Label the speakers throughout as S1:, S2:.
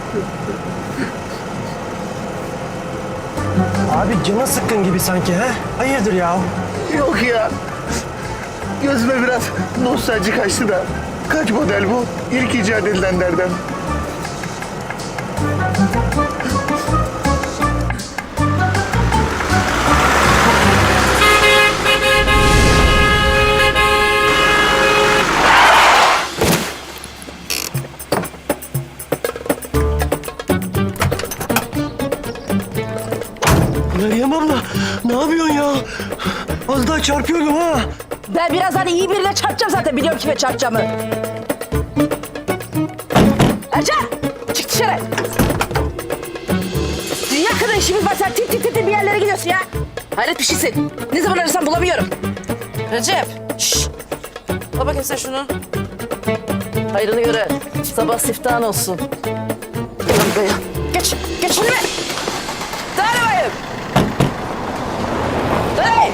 S1: Abi canı sıkkın gibi sanki ha? Hayırdır ya?
S2: Yok ya. Gözüme biraz nostalji kaçtı da. Kaç model bu? İlk icat edilenlerden.
S1: Meryem abla ne yapıyorsun ya? Az daha çarpıyordum ha.
S3: Ben birazdan iyi birine çarpacağım zaten. Biliyorum kime çarpacağımı. Ercan! Çık dışarı. Dünya kadar işimiz var. Sen tit tit tit bir yerlere gidiyorsun ya. Hayret bir şeysin. Ne zaman arasam bulamıyorum. Recep! Şşş! Al bakayım sen şunu. Hayrını göre. Sabah siftahın olsun. Gel buraya. Geç! Geç önüme! Dağılın bayım! Hey!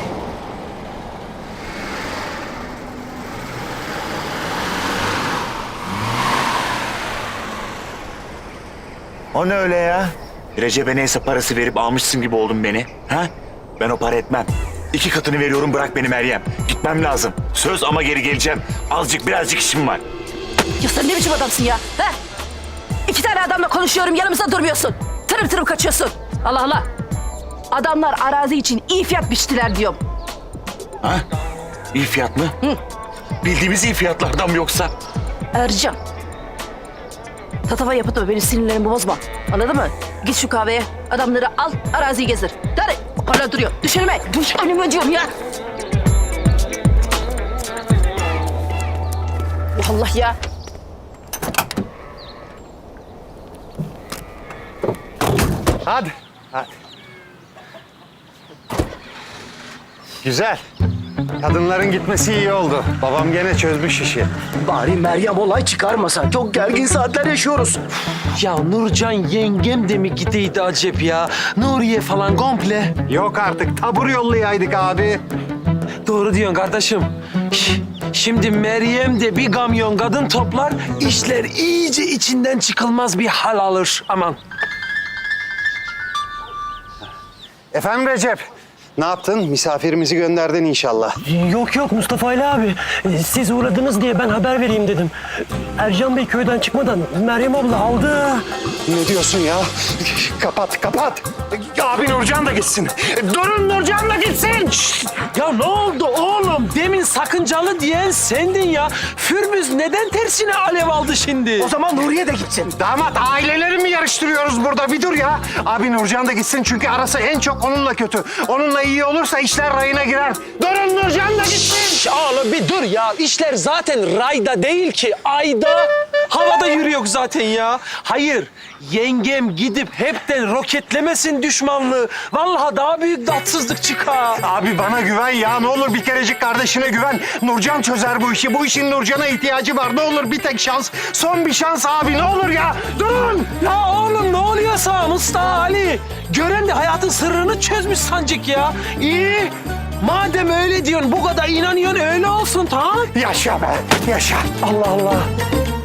S4: O ne öyle ya? Recep'e neyse parası verip almışsın gibi oldun beni. Ha? Ben o para etmem. 2 katını veriyorum, bırak beni Meryem. Gitmem lazım. Söz ama geri geleceğim. Birazcık işim var.
S3: Ya sen ne biçim adamsın ya? Ha? 2 tane adamla konuşuyorum, yanımızda durmuyorsun. Tırım tırım kaçıyorsun. Allah Allah. Adamlar arazi için iyi fiyat biçtiler diyorum.
S4: Ha? İyi fiyat mı?
S3: Hı.
S4: Bildiğimiz iyi fiyatlardan mı yoksa?
S3: Ercan. Tatava yapıp da beni sinirlerimi bozma. Anladın mı? Git şu kahveye, adamları al, araziyi gezdir. Hadi. Hala duruyor. Düş önüme. Düş önüme diyorum ya. Allah ya.
S5: Hadi. Hadi. Güzel. Kadınların gitmesi iyi oldu. Babam gene çözmüş işi.
S1: Bari Meryem olay çıkarmasa. Çok gergin saatler yaşıyoruz.
S6: Ya Nurcan yengem de mi gideydi acep ya? Nuriye falan komple.
S5: Yok artık tabur yollayaydık abi.
S6: Doğru diyorsun kardeşim. Şimdi Meryem de bir kamyon kadın toplar, işler iyice içinden çıkılmaz bir hal alır. Aman.
S5: Efendim Recep, ne yaptın? Misafirimizi gönderdin inşallah.
S1: Yok yok Mustafa Ali abi. Siz uğradınız diye ben haber vereyim dedim. Ercan Bey köyden çıkmadan Meryem abla aldı.
S5: Ne diyorsun ya? Kapat, kapat. Abi Nurcan da gitsin. Durun Nurcan da gitsin.
S6: Ya ne oldu oğlum? Demin sakıncalı diyen sendin ya. Fürbüz neden tersine alev aldı şimdi?
S5: O zaman Nuriye de gitsin. Damat aileleri mi yarıştırıyoruz burada? Bir dur ya. Abi Nurcan da gitsin çünkü arası en çok onunla kötü. Onunla iyi olursa işler rayına girer. Durun Nurcan da gitsin.
S6: Oğlum bir dur ya. İşler zaten rayda değil ki, ayda. Havada yürüyor zaten ya. Hayır, yengem gidip hepten roketlemesin düşmanlığı. Vallahi daha büyük tatsızlık çıkar.
S5: Abi bana güven ya. Ne olur bir kerecik kardeşine güven. Nurcan çözer bu işi. Bu işin Nurcan'a ihtiyacı var. Ne olur bir tek şans. Son bir şans abi. Ne olur ya. Durun.
S6: Ya oğlum ne oluyorsa Mustafa Ali? Gören de hayatın sırrını çözmüş sancık ya. İyi. Madem öyle diyorsun, bu kadar inanıyorsun öyle olsun tamam.
S5: Yaşa be. Yaşa.
S1: Allah Allah.